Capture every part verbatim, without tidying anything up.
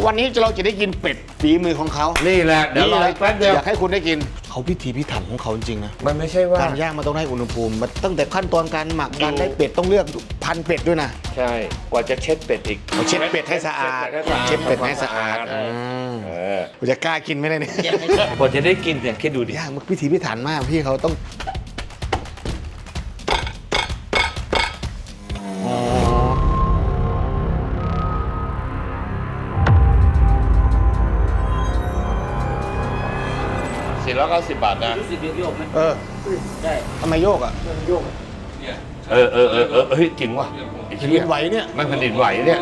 วันนี้เราจะได้กินเป็ดฝีมือของเขานี่แหละเดี๋ยวรอแป๊บเดียวอยากให้คุณได้กินเขาพิถีพิถันของเขาจริงๆนะมันไม่ใช่ว่าการย่างมันต้องได้อุณหภูมิมันตั้งแต่ขั้นตอนการหมักการได้เป็ดต้องเลือกพันธุ์เป็ดด้วยนะใช่กว่าจะเช็ดเป็ดอีกเช็ดเป็ดให้สะอาดเช็ดเป็ดให้สะอาดเออจะกล้ากินไหมเนี่ยกว่าจะได้กินเนี่ยคิดดูดิย่างมันพิถีพิถันมากพี่เขาต้องสี่ร้อยเก้าสิบบาทนะรู้สึกโยกไหมเออใช่ทำไมโยกอ่ะโยกเออเออเออเออเฮ้ยจริงว่ะแผ่นดินไหวเนี่ยมันแผ่นดินไหวเนี่ย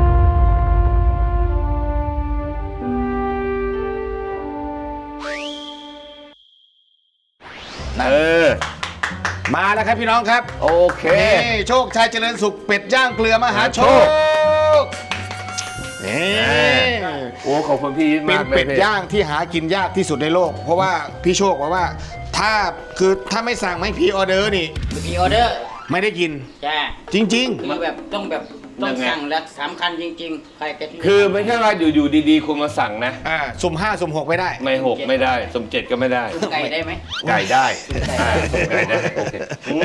เออมาแล้วครับพี่น้องครับโอเคนี่โชคชัยเจริญสุขเป็ดย่างเกลือมหาโชคโอ้ขอบคุณพี่มากเป็นเป็ดย่างที่หากินยากที่สุดในโลกเพราะว่าพี่โชคบอกว่าถ้าคือถ้าไม่สั่งไม่พรีออเดอร์นี่พรีออเดอร์ไม่ได้กินใช่จริงๆคือแบบต้องแบบต้องสั่งและสำคัญจริงๆใครจะคือไม่ใช่ว่าอยู่ๆดีๆคุณมาสั่งนะอ่าสุ่มห้าสุ่มหกไม่ได้ไม่หกไม่ได้สุ่มเจ็ดก็ไม่ได้ไก่ได้ไหมไก่ได้ไก่ได้โอเค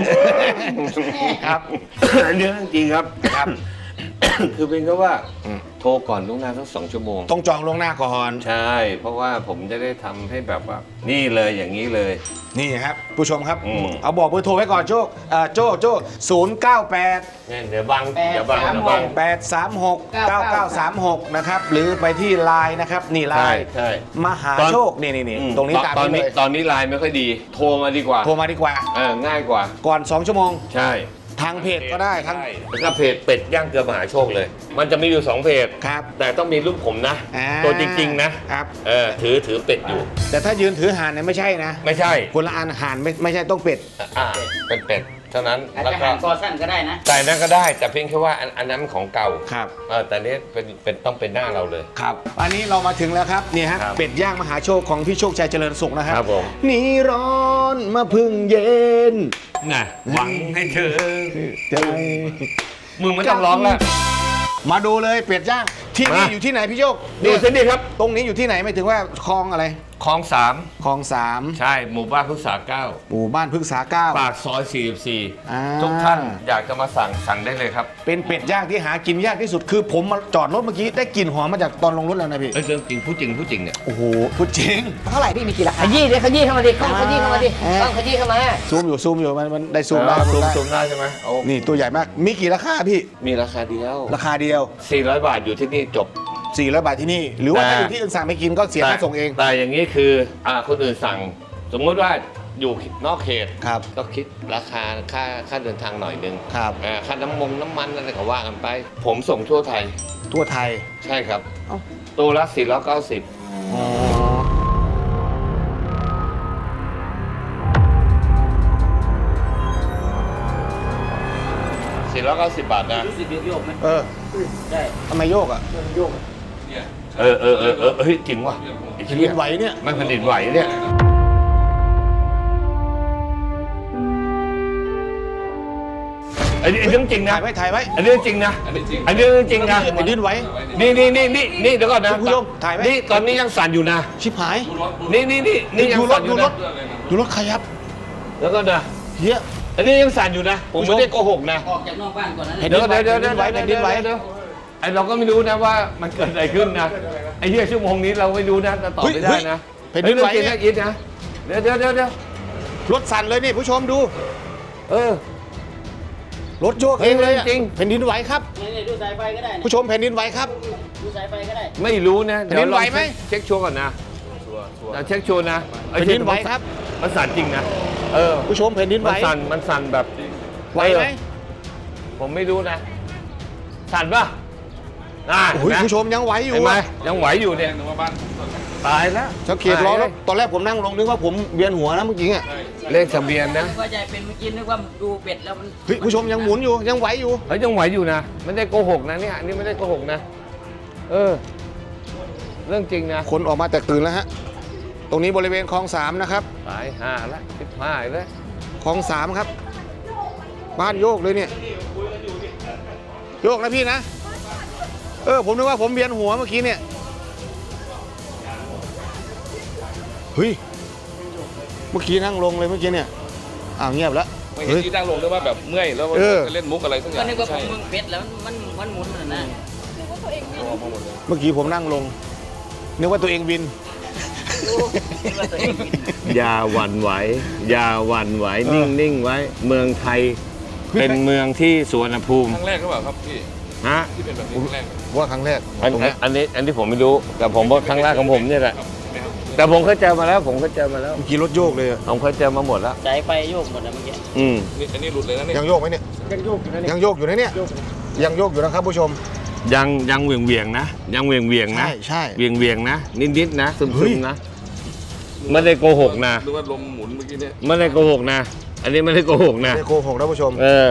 ครับเรื่องจริงครับครับคือเป็นก็ว่าโทรก่อนล่วงหน้าสักสองชั่วโมงต้องจองล่วงหน้าก่อนใช่เพราะว่าผมจะได้ทำให้แบบว่านี่เลยอย่างนี้เลยนี่ครับผู้ชมครับเอาบอกเบอร์โทรไว้ก่อนโจ้โจ้โจ้ศูนย์เก้าแปดเนี่ยเดี๋ยวบังเดี๋ยวบังเดี๋ยวบังแปดสามหกเก้าเก้าสามหกนะครับหรือไปที่ไลน์นะครับนี่ไลน์ใช่มหาโชคนี่นี่นี่ตรงนี้ตามตอนนี้เลยตอนนี้ไลน์ไม่ค่อยดีโทรมาดีกว่าโทรมาดีกว่าเออง่ายกว่าก่อนสองชั่วโมงใช่ทางเพจก็ได้ทั้งแล้วก็เพจเป็ดย่างเกลือมหาโชคเลยมันจะมีอยู่สองเพจครับแต่ต้องมีรูปผมนะตัวจริงๆนะครับเออถือถือเป็ดอยู่แต่ถ้ายืนถือห่านเนี่ยไม่ใช่นะไม่ใช่คนละอันห่านไม่ไม่ใช่ต้องเป็ดอ่าเป็นเป็ดเท่านั้นแล้วก็คอสั้นก็ได้นะแต่นั้นก็ได้แต่เพียงแค่ว่าอันนั้นของเก่าครับเออแต่นี้เป็นเป็นต้องเป็นหน้าเราเลยครับอันนี้เรามาถึงแล้วครับนี่ฮะเป็ดย่างมหาโชคของพี่โชคชัยเจริญสุขนะครับครับผมนี่ร้อนมาพึ่งเย็นน่ะหวังให้เธอใจมึงไม่ต้องร้องแล้วมาดูเลยเป็ดย่างที่นี่อยู่ที่ไหนพี่โชคดูสิดีครับตรงนี้อยู่ที่ไหนไม่ถึงว่าคลองอะไรคลองสามคลองสามใช่หมู่บ้านพฤกษาเก้าหมู่บ้านพฤกษาเก้าปากซอยสี่สิบสี่ทุกท่านอยากจะมาสั่งสั่งได้เลยครับเป็นเป็ดย่างที่หากินยากที่สุดคือผมมาจอดรถเมื่อกี้ได้กลิ่นหอมมาจากตอนลงรถแล้วนะพี่เรื่องจริงพูดจริงพูดจริงเนี่ยโอ้โหพูดจริงเท่าไหร่พี่มีกี่ราคาขยี้ดิขยี้เข้ามาดิกล้องขยี้เข้ามาดิกล้องขยี้เข้ามาซูมอยู่ซูมอยู่มันมันได้ซูมได้ซูมซูมได้ใช่ไหมนี่ตัวใหญ่มากมีกี่ราคาพี่มีราคาเดียวราคาเดียวสี่ร้อยบาทอยู่ที่นี่จบสี่ร้อยบาทที่นี่หรือว่าถ้าอยู่ที่อื่นสั่งไปกินก็เสียค่าส่งเองแต่อย่างนี้คืออ่าคนอื่นสั่งสมมติว่าอยู่นอกเขตครับก็คิดราคาค่าค่าเดินทางหน่อยนึงครับค่าน้ำมงน้ำมันอะไรก็ว่ากันไปผมส่งทั่วไทยทั่วไทยใช่ครับตัวละสี่ร้อยเก้าสิบสี่ร้อยเก้าสิบบาทนะรู้สึกโยกไหมเออใช่ทำไมโยกอ่ะโยกเออเออเออเออเฮ้ยจริงว่ะแผ่นดินไหวเนี่ยมันแผ่นดินไหวเนี่ยอันนี้เรื่องจริงนะถ่ายไว้ถ่ายไว้อันนี้เรื่องจริงนะอันนี้เรื่องจริงนะแผ่นดินไหวนี่นี่นี่นี่นี่เดี๋ยวก่อนนะคุณผู้ชมถ่ายไว้นี่ตอนนี้ยังสั่นอยู่นะชิบหายนี่นี่นี่นี่ยังสั่นอยู่นะดูรถขยับแล้วก็นะเฮียอันนี้ยังสั่นอยู่นะผมไม่ได้โกหกนะออกจากนอกบ้านก่อนนะเดี๋ยวเดี๋ยวเดี๋ยวเดี๋ยวแผ่นดินไหวเดี๋ยวไอเราก็ไม่รู้นะว่ามันเกิดอะไรขึ้นนะไอเหี้ยชั่วโมงนี้เราไม่รู้นะจะตอบไม่ได้นะแผ่นดินไหวเนี่ยอิดนะเดี๋ยวเดี๋ยวเดี๋ยวเดี๋ยวรถสั่นเลยนี่ผู้ชมดูเออรถโยกเองเลยจริงแผ่นดินไหวครับนี่ดูสายไฟก็ได้ผู้ชมแผ่นดินไหวครับดูสายไฟก็ได้ไม่รู้นะแผ่นดินไหวไหมเช็คชัวร์ก่อนนะเช็คชัวร์นะแผ่นดินไหวครับมันสั่นจริงนะเออผู้ชมแผ่นดินไหวมันสั่นมันสั่นแบบไหวไหมผมไม่รู้นะสั่นป่ะอ่าผู้ชมยังไหวอยู่ไหมยังไหวอยู่เนี่ยตายแล้วสังเกตล้อแล้วตอนแรกผมนั่งลงนึกว่าผมเวียนหัวนะเมื่อกี้อ่ะเลขทะเบียนนะว่าใจเป็นเมื่อกี้นึกว่าดูเป็ดแล้วมันเฮ้ยผู้ชมยังหมุนอยู่ยังไหวอยู่เฮ้ยยังไหวอยู่นะไม่ได้โกหกนะเนี่ยอันนี้ไม่ได้โกหกนะเออเรื่องจริงนะคนออกมาแตกตื่นแล้วฮะตรงนี้บริเวณคลองสามนะครับสายห้าแล้วสิบห้าแล้วคลองสามครับบ้านโยกเลยเนี่ยโยกนะพี่นะเออผมนึกว่าผมเวียนหัวเมื่อกี้เนี่ยเฮ้ยเมื่อกี้นั่งลงเลยเมื่อกี้เนี่ยอ้าวเงียบแล้วไม่เห็นที่นั่งลงด้วยว่าแบบเมื่อยแล้วเออจะเล่นมุกอะไรสักอก็ย่างนึกว่าผใช่มมึงเป็ดแล้วมันมันหมุนมันนะตัวมาหมดเลยเมื่อกี้ผมนั่งลงนึกว่าตัวเองวินนึกว่าตัวเองบินอย่าหวั่นไหวอย่าหวั่นไหวนิ่งนิ่งไว้ เมืองไทยเป็นเมืองที่สุวรรณภูมิครั้งแรกหรือเปล่าครับพี่ฮะที่เป็นแบบนี้ครั้งแรกว่าครั้งแรกอันตรงนี้อันนี้อันนี้ผมไม่รู้แต่ผมว่าครั้งแรกของผมเนี่ยแหละครับใช่ไหมครับแต่ผมเคยเจอมาแล้ว ผมเคยเจอมาแล้วเมื่อกี้รถโยกเลยอะผมเคยเจอมาหมดแล้วใจไฟโยกหมดนะเมื่อกี้อืมนี่อันนี้หลุดเลยนะเนี่ยยังโยกไหมเนี่ยยังโยกอยู่นะยังโยกอยู่นะเนี่ยยังโยกอยู่นะครับผู้ชมยังยังเหวียงเวียงๆนะ ยังเหวียงเวียงๆนะใช่ใช่เวียงเวียงๆนะ นิดนิดๆนะซึมเฮ้ซึยมนะไม่ได้โกหกนะหรือว่าลมหมุนเมื่อกี้เนี่ยไม่ได้โกหกนะ อันนี้ไม่ได้โกหกนะไม่ได้โกหกนะผู้ชมเออ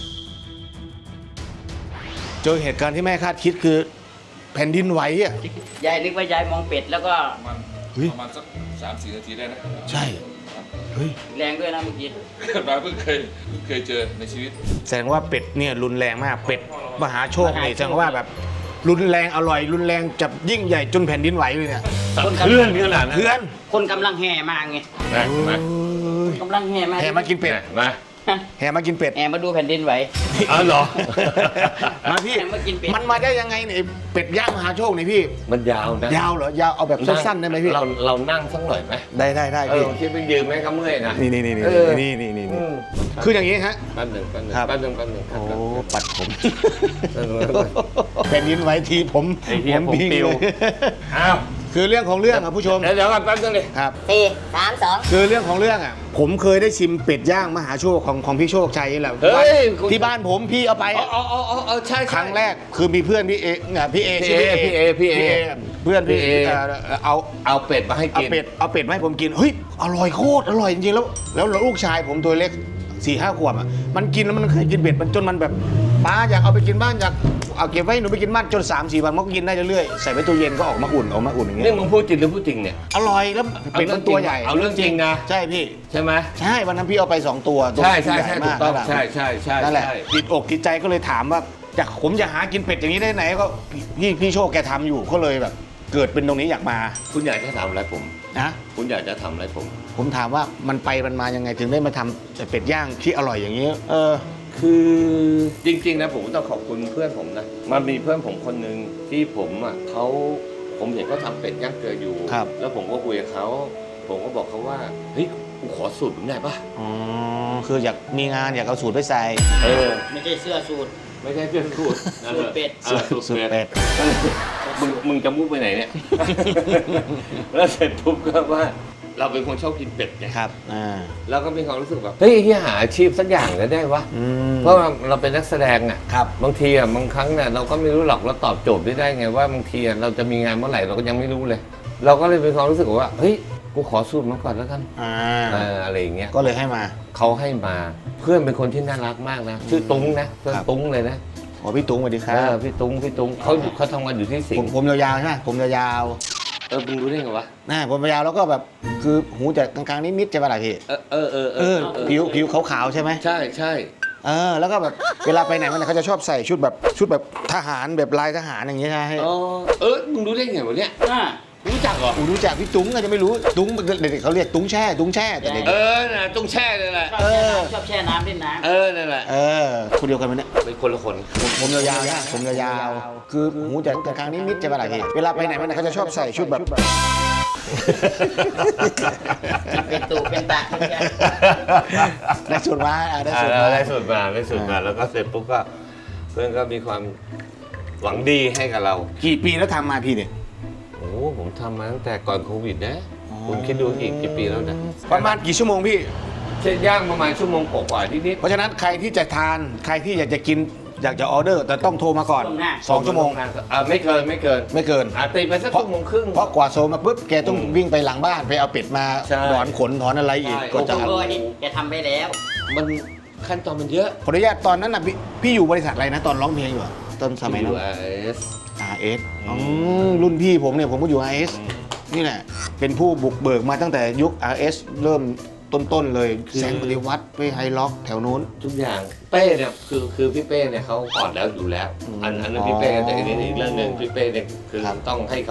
เจอเหตุการณ์ที่ไม่คาดคิดคือแผ่นดินไหวอ่ะยายนึกว่ายายมองเป็ดแล้วก็ประมาณเฮ้ยประมาณสักสามสี่นาทีได้นะใช่เฮ้ยแรงด้วยนะเมื่อกี้มาเพิ่งเคยเพิ่งเคยเจอในชีวิตแสดงว่าเป็ดเนี่ยรุนแรงมากเป็ดมหาโชคนี่แสดงว่าแบบรุนแรงอร่อยรุนแรงจับยิ่งใหญ่จนแผ่นดินไหวเลยเนี่ยเคลื่อนขนาดนั้นเพื่อนคนกำลังแห่มาไงนะมากำลังแห่มาแห่มากินเป็ดมาแห่มากินเป็ดแห่มาดูแผ่นดินไหวอ๋อเหรอมาพี่แห่มากินเป็ดมันมาได้ยังไงเนี่ยไอ้เป็ดย่างมหาโชคนี่พี่มันยาวนะยาวเหรอยาวเอาแบบสั้นๆได้ไหมพี่เราเรานั่งสักหน่อยไหมได้ได้ได้เอพี่อคิดไปยืมไหมก็เมื่อยนะนี่นี่นี่นี่เออนี่นี่นี่อืนี่มคืออย่างนี้ฮะแป๊บหนึ่งแป๊บหนึ่งครับแป๊บหนึ่งแป๊บหนึ่งโอ้แป๊บหนึ่งปัดผมแป๊บหนึ่งแป๊บหนึ่งแผ่นดินไหวทีผมไอ้เหี้ยผมพิงปิวเลยอ้าวคือเรื่องของเรื่องอ่ะผู้ชมเดี๋ยวเดี๋ยวก่อนแป๊บนึงดิครับสี่สามสองคือเรื่องของเรื่องอ่ะ ผมเคยได้ชิมเป็ดย่างมหาโชคของของพี่โชคชัยนี่แหละเฮ้ยคุณที่บ้านผมพี่เอาไปอ๋ออะอ๋ออ๋ออ๋อใช่ใช่ครั้งแรกคือมีเพื่อนพี่เออ่ะพี่เอพี่ชื่เอพี่เอพี่เอเพื่อนพี่พี่เอเอ่อเอาเอาเป็ดมาให้เอากินเป็ดเอาเป็ดมาให้ผมกินเฮ้ยอร่อยโคตรอร่อยจริงๆแล้ว แล้วลูกชายผมตัวเล็กสี่ห้าขวบอ่ะมันกินแล้วมันเคยกินเป็ดมันจนมันแบบป้าอยากเอาไปกินบ้านอยากเอาเก็บไว้ให้หนูไปกินบ้านจนสามสี่วันมันก็กินได้เรื่อยๆใส่ไว้ตู้เย็นก็ออกมาอุ่นออกมาอุ่นอย่างเงี้นี่ยมึงพูดจริงหรือพูดจริงเนี่ยอร่อยแล้วเป็ดมันตัวใหญ่เอาเรื่องจริงนะใช่พี่ใช่ไหมใช่วันนั้นพี่เอาไปสองตัวตัวใช่ใช่ญ่ใช่มาถูกต้องนั่นแหละใช่ใช่ใช่นั่นแหละใช่ติดอกติดใจก็เลยถามว่าอยากผมจะหากินเป็ดอย่างนี้ได้ไหนก็พี่พี่โชคแกทำอยู่ก็เลยแบบ เกิดเป็นตรงนี้อยากมาคุณอยากจะทำอะไรผมนะคุณอยากจะทำอะไรผมผมถามว่ามันไปมันมายังไงถึงได้มาทำเป็ดย่างที่อร่อยอย่างนี้ เออคือจริงๆนะผมต้องขอบคุณเพื่อนผมนะมันมีเพื่อนผมคนหนึ่งที่ผมอ่ะเขาผมเห็นเขาทำเป็ดย่างเกลืออยู่ครับแล้วผมก็คุยกับเขาผมก็บอกเขาว่าเฮ้ยกูขอสูตรผมได้ปะอ๋อคืออยากมีงานอยากเอาสูตรไปใส่เออไม่ใช่เสื้อสูทไม่ใช่เพื่อนสูตรสูตรเป็ดออสูตรสูตรเป็ดเป็ดมึงมึงจะมุกไปไหนเนี่ย แล้วเสร็จปุ๊บก็ว่า เราเป็นคนชอบกินเป็ดไงครับอ่าแล้วก็มีความรู้สึกแบบเฮ้ยที่หาอาชีพสักอย่างเลยได้วะอืมเพราะว่าเราเป็นนักแสดงอ่ะครับบางทีอ่ะบางครั้งเนี่ยเราก็ไม่รู้หรอกเราตอบโจทย์ไม่ได้ไงว่าบางทีอ่ะเราจะมีงานเมื่อไหร่เราก็ยังไม่รู้เลย เราก็เลยเป็นความรู้สึกว่าเฮ้ยกูขอสูตรมาก่อนแล้วกันอ่าเอออะไรอย่างเงี้ยก็เลยให้มาเขาให้มาเพื่อนเป็นคนที่น่ารักมากนะชื่อตุ้งนะเพื่อนครับตุ้งเลยนะขอพี่ตุ้งสวัสดีคเอรับอพี่ตุ้งพี่ตุ้งเขาอยู่เขาทำงานอยู่ที่สิผงมห์ผมยาวๆใช่ไหมผมยาวเออมึงรู้ได้ไงวะๆนะผมยาวๆแล้วก็แบบคือหูจะกลางๆนิดๆใช่ไหมล่ะพี่เออเออเออเออผิวผิวขาวๆใช่ไหมใช่ใช่เออแล้วก็แบบเวลาไปไหนมาไหนเขาจะชอบใส่ชุดแบบชุดแบบทหารแบบลายทหารอย่างเงี้ยใช่ไหมอ๋อเออมึงรู้ได้ไงวะเนี่ยอ่ารู้จักเหรออูรู้จักพี่ตุ้งอาจจะไม่รู้ตุ้งเด็กๆเขาเรียกตุ้งแช่ตุ้งแช่แต่เด็กเออน่ะต้องแช่เลยแหละชอบแช่น้ำชอบแช่น้ำเล่นน้เออนั่นแหละเออคนเดียวกันไหมเนี่ยเป็นคนละคนผมผมยาวๆนะผมยาวๆคือหูจะกลางๆนิดๆใช่ไหมล่ะพี่เวลาไปไหนมาไหนเขาจะชอบใส่ชุดแบบำเป็นตูเป็นตาเป็นแช่ได้สูตรมาอ่ะได้อ่าสูตรแล้วมาได้สูตรมาได้สูตรมาแล้วก็เสร็จปุ๊บก็เพื่อนก็มีความหวังดีให้กับเรากี่ปีแล้วทำมาพี่เนี่ยโอ้ผมทำมาตั้งแต่ก่อนโควิดนะคุณคิดดูอีกกี่ปีแล้วนะประมาณกี่ชั่วโมงพี่เช่นย่างประมาณชั่วโมงกว่าๆนิดเพราะฉะนั้นใครที่จะทานใครที่อยากจะกินอยากจะออเดอร์ แต่ต้องโทรมาก่อนล่วงหน้าสองชั่วโมงอ่าไม่เกินไม่เกินไม่เกินอ่าตีไปสักชั่วโมงครึ่งเพราะกว่าโซมาปุ๊บแกต้องวิ่งไปหลังบ้านไปเอาเป็ดมาใช่ถอนขนถอนอะไรอีกใช่ก็จะโอ้ยแกทำไปแล้วมันขั้นตอนมันเยอะขออนุญาตตอนนั้นน่ะพี่พี่อยู่บริษัทอะไรนะตอนร้องเพลงอยู่อะตอนสมัยนั้นยู เอสอาร์ เอสอ๋อรุ่นพี่ผมเนี่ยผมก็อยู่ อาร์ เอส นี่แหละ เป็นผู้บุกเบิกมาตั้งแต่ยุค อาร์ เอส เริ่มต้นๆเลย แสงปฏิวัติไปไฮล็อกแถวนู้นทุกอย่างเป้เนี่ยคือคือพี่เป้เนี่ยเขาก่อนแล้วอยู่แล้วอืมอันอันนั้นพี่เป้แต่อันนี้อีกเรื่องหนึ่งพี่เป้เนี่ยคือครับต้องให้เขา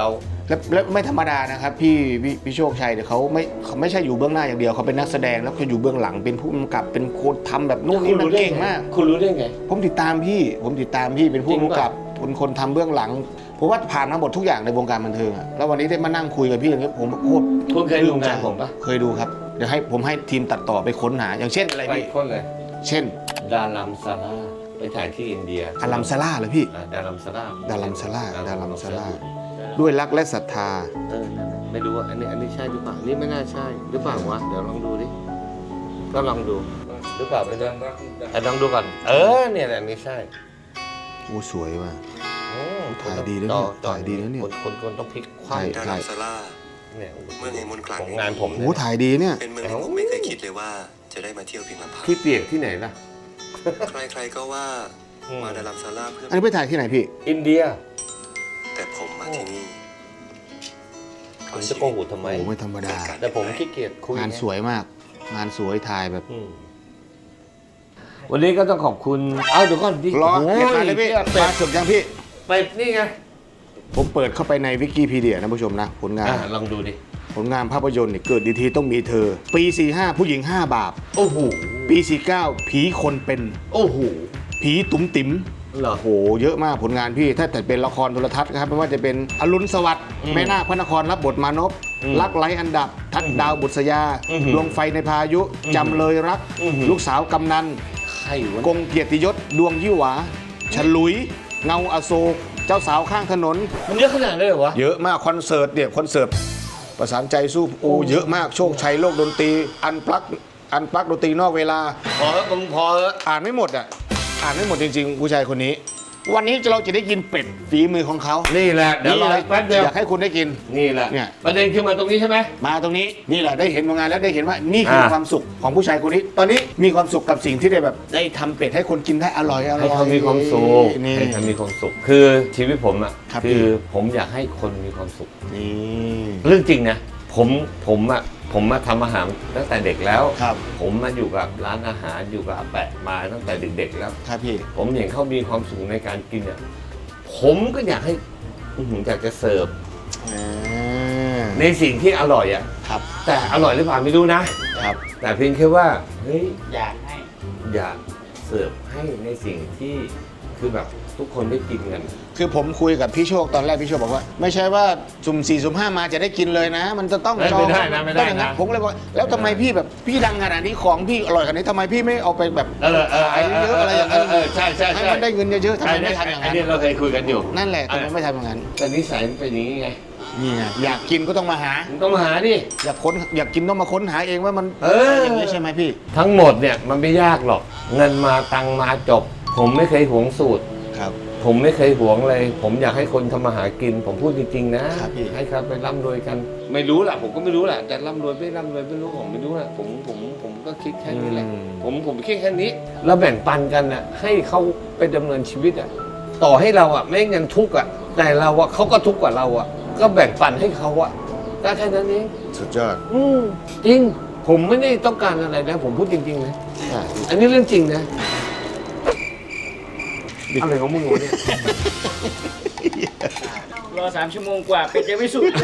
แล้วแล้วไม่ธรรมดานะครับพี่พี่พี่โชคชัยเนี่ยเขาไม่เขาไม่ใช่อยู่เบื้องหน้าอย่างเดียวเขาเป็นนักแสดงแล้วก็อยู่เบื้องหลังเป็นผู้กำกับเป็นคนทำแบบนู่นนี่นั่นเก่งมากคุณรู้ได้ไงผมติดตามพี่ผมติดตามพี่เป็นผู้จริงกำป่ะกับเป็นคนทำเบื้องหลังผมว่าผ่านมาหมดทุกอย่างในวงการบันเทิงอะแล้ววันนี้ได้มานั่งคุยกับพี่อย่างนี้ผมโคตรคุณเคยดูงานผมปะเคยดูครับเดี๋ยวให้ผมให้ทีมตัดต่อไปค้นหาอย่างเช่นอะไรไปพี่คนเลยเช่นดารัมซาร่าไปถ่ายที่อินเดียอารัมซาร่าเหรอพี่อ่าดารัมซาร่าดารัมซาร่าดารัมซาร่าด้วยรักและศรัทธาเออนั่นน่ะไม่รู้ว่าอันนี้อันนี้ใช่หรือเปล่านี่ไม่น่าใช่หรือเปล่าวะเดี๋ยวลองดูดิก็ลองดูหรือเปล่าไม่รู้อ่ะลองดูก่อนเออเนี่ยแหละอันนี้ใช่โอ้สวยว่ะโอ้ถ่ายดีนะเนี่ยต่อถ่ายดีนะเนี่ยคนคนคนต้องพลิกคถ่ายว่ำดารัมซาร่าเนี่ยเมืองแห่งมนต์ขลังของงานผมโอ้เนี่ยถ่ายดีเนี่ยเป็นเมืองที่ผมไม่เคยคิดเลยว่าจะได้มาเที่ยวเพียงลำพังที่เปียกที่ไหนล่ะใครๆก็ว่าอืมมาดารัมซาร่าเพื่ออันนี้ไปถ่ายที่ไหนพี่อินเดียแต่ผมมาที่นี่ผมจะโกหกทำไมโอ้ไม่ธรรมดาแต่ผมขี้เกียจคุยงานสวยมาก งานสวยถ่ายแบบอืมวันนี้ก็ต้องขอบคุณเอ้าเดี๋ยวก่อนดิรอโอ้เก็บมาเลยพี่เป็มาดสุดยังพี่เป็ดนี่ไงผมเปิดเข้าไปในวิกิพีเดียนะผู้ชมนะ ผลงานอ่ะลองดูดิผลงานภาพยนตร์เนี่ยเกิดดีทีต้องมีเธอ ปี สี่ห้า ผู้หญิง ห้า บาปโอ้โหปี สี่เก้า ผีคนเป็นโอ้โหผีตุ๋มติ๋มเหรอโอ้โห เยอะมากผลงานพี่ ถ้าแต่เป็นละครโทรทัศน์ครับไม่ว่าจะเป็นอรุณสวัสดิ์อืมแม่นาคพระนครรับบทมานพอืมรักไร้อันดับ ทัดดาวบุษยาอืมดวงไฟในพายุอืมจำเลยรักอืมลูกสาวกำนันใครวะกงเกียรติยศ ดวงยี่หวา ฉลุย เงาอโศก เจ้าสาวข้างถนนมันเยอะขนาดนั้นเลยเหรอวะเยอะมากคอนเสิร์ตเนี่ยคอนเสิร์ตประสานใจสู้โอ้เยอะมากโชคชัยโลกดนตรีอันปลักอันปลักดนตรีนอกเวลาพอแล้วมึงพอแล้วอ่านไม่หมดอ่ะอ่านไม่หมดจริงๆ ผู้ชายคนนี้ วันนี้เราจะได้กินเป็ดฝีมือของเขานี่แหละเดี๋ยวรออีกแป๊บเดียวอยากให้คุณได้กินนี่แหละเนี่ยประเด็นคือมาตรงนี้ใช่ไหมมาตรงนี้นี่แหละได้เห็นผลงานแล้วได้เห็นว่านี่คืออ่าความสุขของผู้ชายคนนี้ ตอนนี้มีความสุขกับสิ่งที่ได้แบบได้ทำเป็ดให้คนกินได้อร่อยอร่อยให้เขามีความสุขนี่ให้เขามีความสุข คือชีวิตผมอ่ะครับคือผมอยากให้คนมีความสุขนี่เรื่องจริงนะผมผมอ่ะผมมาทำอาหารตั้งแต่เด็กแล้วครับผมมาอยู่กับร้านอาหารอยู่กับอาแปะมาตั้งแต่เด็กๆแล้วครับพี่ผมเห็นเขามีความสุขในการกินอ่ะผมก็อยากให้อื้อหืออยากจะเสิร์ฟอ่าในสิ่งที่อร่อยอ่ะครับแต่อร่อยหรือเปล่าไม่รู้นะครับแต่เพียงแค่ว่าเฮ้ยอยากให้อยากเสิร์ฟให้ในสิ่งที่คือแบบทุกคนได้กินกันคือผมคุยกับพี่โชคตอนแรกพี่โชคบอกว่า ไม่ใช่ว่าสุ่มสี่สุ่มห้ามาจะได้กินเลยนะ มันจะต้องไม่จองไม่ได้นะไม่ได้นะต้องอย่างผมเลยบอกแล้วทำไมพี่แบบพี่ดังขนาดนี้ของพี่อร่อยขนาดนี้ทำไมพี่ไม่เอาไปแบบเออเออขายเยอะๆอะไรอย่างนั้นเออใช่ใช่ให้ใช่มันได้เงินเยอะๆทำไมไม่ทำอย่างไอ้นั้นนี่เราเคยคุยกันอยู่นั่นแหละทำไมไม่ทำอย่างนั้นแต่นิสัยมันเป็นอย่างนี้ไงนี่ไงอยากกินก็ต้องมาหามึงต้องมาหาดิอยากค้นอยากกินต้องมาค้นหาเองว่ามันเอออย่างนี้ใช่ไหมพี่ทั้งหมดเนี่ยมันไม่ยากหรอก เงินมาตังค์มาจบ ผมไม่เคยหวงสูตรครับผมไม่เคยหวงเลย ผมอยากให้คนทำมาหากิน ผมพูดจริงๆนะครับพี่ให้ครับไปร่ำรวยกัน ไม่รู้แหละผมก็ไม่รู้แหละแต่ร่ำรวยไม่ร่ำรวยไม่รู้ผมไม่รู้แหละผมผมผมก็คิดแค่นี้แหละ ผมผมคิดแค่นี้เราแบ่งปันกันน่ะให้เขาไปดำเนินชีวิตอ่ะต่อให้เราอ่ะแม่งยังทุกข์อ่ะแต่เราอ่ะเขาก็ทุกข์กว่าเราอ่ะก็แบ่งปันให้เขาอ่ะก็แค่นั้นเองสุดยอดอืมจริง ผมไม่ได้ต้องการอะไรนะผมพูดจริงๆนะอ่ะอันนี้เรื่องจริงนะอะไรของมึงวะเนี่ยรอสามชั่วโมงกว่าเป็ดยังไม่สุกเลย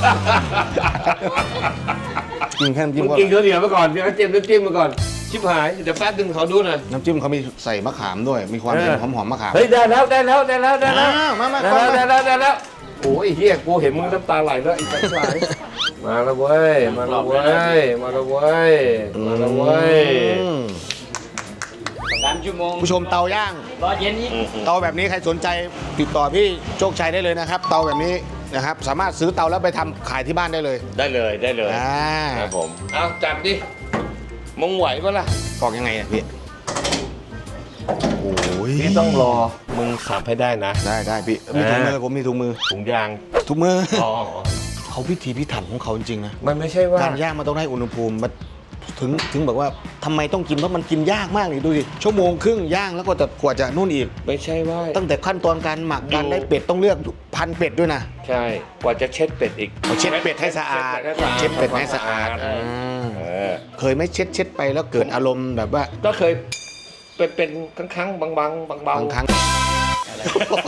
กินแค่น้ำจิ้มมึงก็กินข้าวเหนียวไปก่อนเดี๋ยวเตรียมน้ำจิ้มมาก่อนชิบหายเดี๋ยวแป๊บนึงขอดูหน่อยน้ำจิ้มเขามีใส่มะขามด้วย มีความเป็นเออหอมๆมะขามเฮ้ยได้แล้วได้แล้วได้แล้วได้แล้วอ้าวมามาได้เข้าแล้วมาได้แล้วได้แล้วโอ้ยไอ้เฮียกูเห็นมึงน้ำตาไหลแล้วไอ้สัสายมาแล้วเว้ยมาแล้วเว้ยมาแล้วเว้ยมาแล้วเว้ยอืมสามชั่วโมงผู้ชมเตาย่างรอเย็นนี้เตาแบบนี้ใครสนใจติดต่อพี่โชคชัยได้เลยนะครับ เตาแบบนี้นะครับ สามารถซื้อเตาแล้วไปทำขายที่บ้านได้เลยได้เลยได้เลยอ่าครับผมเอาจัดดิมึงไหวปะล่ะปอกยังไงอ่ะพี่โอ้ยพี่ต้องรอมึงสับให้ได้นะได้ได้พี่มีถุงมือผมมีถุงมือถุงยางถุงมืออ๋อเขาพิถีพิถันของเขาจริงๆนะมันไม่ใช่ว่าการย่างมันต้องได้อุณหภูมิมันถึงถึงบอกว่าทำไมต้องกินเพราะมันกินยากมากเลยดูดิชั่วโมงครึ่งย่างแล้วก็จะกว่าจะนู่นอีกไม่ใช่ว่าตั้งแต่ขั้นตอนการหมักการดูได้เป็ดต้องเลือกพันเป็ดด้วยนะใช่กว่าจะเช็ดเป็ดอีกเอาเช็ดเป็ดให้สะอาด เช็ดเป็ดให้สะอาดอ่าเออเคยไหม่เช็ดเช็ดไปแล้วเกิดอารมณ์แบบว่าก็เคยเป็นเป็นครั้งครั้งๆบางบางบางบางบางครั้งอะไร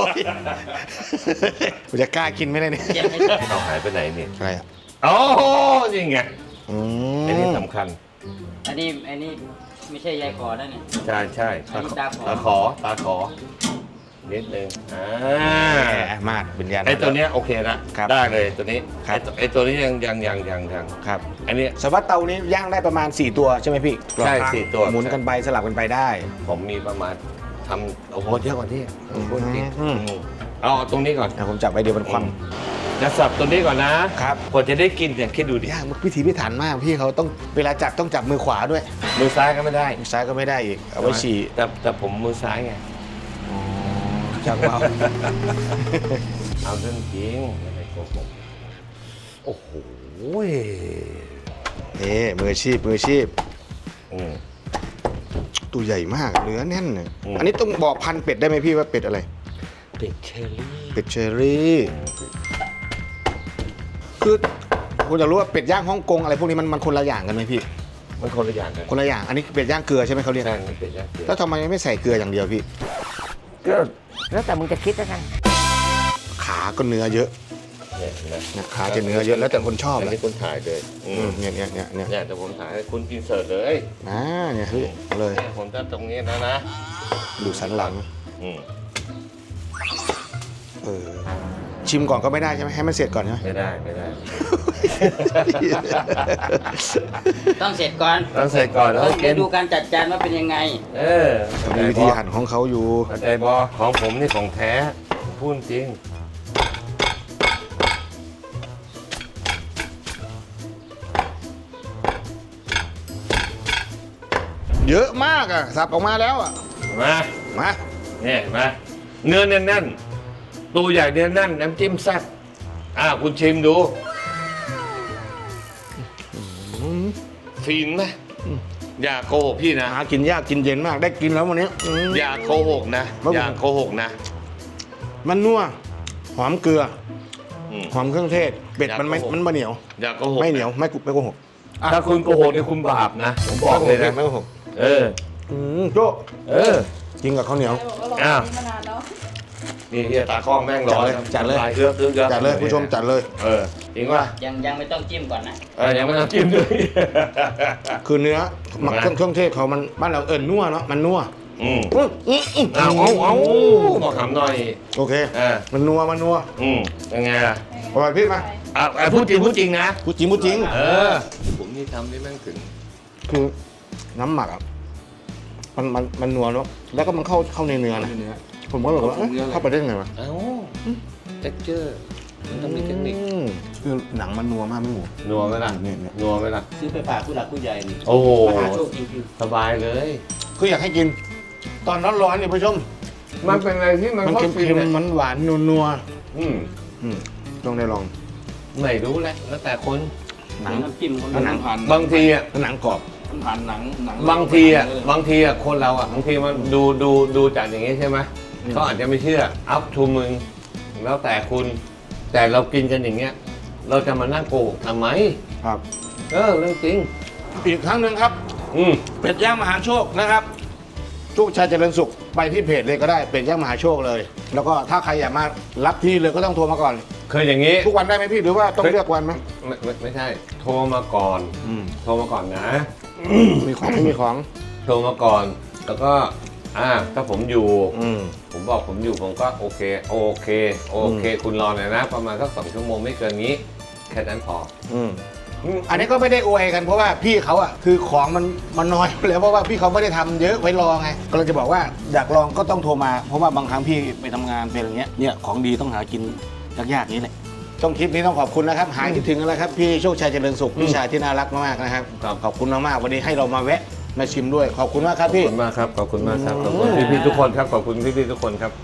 ผมจะกล้ากินไหมเนี่ได้เนี่ยเจ็บไม่ใช่เราหายไปไหนเนี่ยอะไรอ่ะโอ้นี่ไงอือันนี้มสำคัญอันนี้อันนี้ไม่ใช่ยายขอนั่นเนี่ยใช่ใช่อันนี้ตาขอตาขอตาขอนิดนึงอ่าแหมมาดเป็นยันไอตัวเนี้ยโอเคนะครับ ได้เลยตัวนี้ครับไอ้ตัวไอตัวนี้ยังยังยังยังยังครับอันนี้สวัสดเตานี้ย่างได้ประมาณสี่ตัวใช่ไหมพี่ใช่สี่ตัวหมุนกันไปสลับกันไปได้ผมมีประมาณทำโอ้โหเยอะกว่าที่พูดจริงอืมอืมเอาตรงนี้ก่อนอ่ะผมจับไว้เดียวเป็นความจะสับตัวนี้ก่อนนะครับ กว่าจะได้กินเนี่ยคิดดูดิยากพิถีพิถันมากพี่เขาต้องเวลาจับต้องจับมือขวาด้วยมือซ้ายก็ไม่ได้มือซ้ายก็ไม่ได้อีกเอาไว้ฉี่แต่แต่ผมมือซ้ายไงจับเอาเอาเรื่องจริงไม่ได้โกหกโอ้โหนี่มืออาชีพมืออาชีพอืมตัวใหญ่มากเนื้อแน่นเลยอืมอันนี้ต้องบอกพันธุ์เป็ดได้ไหมพี่ว่าเป็ดอะไรเป็ดเชอรี่เป็ดเชอรี่คือผมอยากรู้ว่าเป็ดย่างฮ่องกงอะไรพวกนี้มันมันคนละอย่างกันไหมพี่มันคนละอย่างกันคนละอย่างอันนี้เป็ดย่างเกลือใช่ไหมเขาเรียกใช่มันเป็ดย่างเกลือแล้วทำไมไม่ใส่เกลืออย่างเดียวพี่ก็แล้วแต่มึงจะคิดแล้วกันขาก็เนื้อเยอะเนี่ยเห็นไหมเนี่ยขาจะเนื้อเยอะแล้วแต่คนชอบอันนะนี้คุณถ่ายเลยอือืมมเนี่ยเนี่ยเนี่ยเนี่ยเนี่ยแต่ผมถ่ายให้คุณอินเสิร์ตเลยอ่าเนี่ยเฮ้ยเอาเลยเนี่ยผมจะตรงนี้นะนะดูสันหลังอืมเออชิมก่อนก็ไม่ได้ใช่ไหมให้มันเสร็จก่อนใช่ไหมไม่ได้ไม่ได้ต้องเสร็จก่อนต้องเสร็จก่อนแล้วต้องกินดูการจัดจานว่าเป็นยังไงเออมีวิธีหั่นของเขาอยู่เข้าใจบอของผมนี่ของแท้พูดจริงเยอะมากอ่ะสับออกมาแล้วอ่ะมามาเนี่ยมาเนื้อแน่นๆตัวใหญ่เนื้อแน่นน้ำจิ้มแซ่บอ่าคุณชิมดูฟินไหมอย่าโกหกพี่นะหากินยากกินเย็นมากได้กินแล้ววันนี้อืมอย่าโกหกนะครับผมอย่าโกหกนะมันนัวหอมเกลืออืมหอมเครื่องเทศเป็ดอยากมันไม่โกหกมันไม่เหนียวอย่าโกหกไม่เหนียวไม่กุไม่โกหกอ่ะถ้าคุณโกหกเนี่ยคุณบาปนะผมบอกเลยนะไม่โกหกเอออืมโจ้เออกินกับข้าวเหนียวอ้าวมานานแล้วนี่เฮียตาข้องแม่งรอจัดเลยน้ำลาเอื้อเอื้อจัดเลยผู้ชมจัดเลยเออจริงป่ะยังยังไม่ต้องจิ้มก่อนนะเออยังไม่ต้องจิ้มด้วยคือเนื้อหมักเครื่องเครื่องเทศเขามันบ้านเราเอิญนัวเนาะมันนัวอืมอื้ออื้ออื้อเอาเอาเอาบอกคำหน่อยโอเคเออมันนัวมันนัวอืมยังไงล่ะอร่อยพี่มาอ่ะอ่ะพูดจริงพูดจริงนะพูดจริงพูดจริงเออ ผมนี่ทำนี่แม่งถึงคือน้ำหมักอ่ะมันมันมันนัวเนาะแล้วก็มันเข้าเข้าในเนื้อนะผมก็แบบว่าเอ๊ะเข้าไปได้ไงวะเอ้าเท็กเจอร์มันต้องมีเทคนิคอืมคือหนังมันนัวมากไม่หมูนัวไหมล่ะเนี่ยเนี่ยนัวไหมล่ะซื้อไปฝากผู้หลักผู้ใหญ่นี่โอ้โหมหาโชคจริงสบายเลยคืออยากให้กิน ตอนร้อนๆเนี่ยผู้ชมมันเป็นอะไรที่มันมันเข้าเค็มฟินๆเนี่ยมันหวานนัวอืมๆอืมต้องได้ลองไม่รู้แหละแล้วแต่คนๆหนังน้ำจิ้มคนหนังผ่านบางทีอ่ะหนังกรอบผ่านหนังหนังบางทีอ่ะบางทีอ่ะคนเราอ่ะบางทีมันดูดูดูจากอย่างนี้ใช่ไหมเขาอาจจะไม่เชื่ออัพทูมึงแล้วแต่คุณ แต่เรากินกันอย่างเงี้ย เราจะมานั่งโกหกทำไมครับเออเรื่องจริงอีกครั้งหนึ่งครับอืมเป็ดย่างมหาโชคนะครับโชคชัยเจริญสุขไปที่เพจเลยก็ได้เป็ดย่างมหาโชคเลย แล้วก็ถ้าใครอยากมารับที่เลยก็ต้องโทรมาก่อนเคยอย่างนี้ทุกวันได้ไหมพี่หรือว่าต้องเลือกวันไหมไม่ไม่ไม่ใช่ โทรมาก่อนอืมโทรมาก่อนนะมีของไม่มีของโทรมาก่อน แล้วก็อ่าถ้าผมอยู่อืมผมบอกผมอยู่ผมก็โอเค โอเค โอเค คุณรอหน่อยนะ ประมาณสักสองชั่วโมงไม่เกินนี้ แค่นั้นพออืมอืมอันนี้ก็ไม่ได้อวยกันเพราะว่าพี่เขาอ่ะคือของมันมันน้อยอยู่แล้วเพราะว่าพี่เขาไม่ได้ทำเยอะไว้รอไงก็เลยจะบอกว่าอยากลองก็ต้องโทรมา เพราะว่าบางครั้งพี่ไปทำงานเป็นอย่างเงี้ยเนี่ยของดีต้องหากินยากๆนี้แหละต้องคลิปนี้ต้องขอบคุณนะครับ หายคิดถึงกันแล้วครับพี่โชคชัยเจริญสุขพี่ชายที่น่ารักมากๆนะครับครับขอบคุณมากๆวันนี้ให้เรามาแวะมาชิมด้วยขอบคุณมากครับขอบพี่คุณมากครับ ขอบคุณมากครับ ขอบคุณพี่ๆทุกคนครับ ขอบคุณพี่ๆทุกคนครับ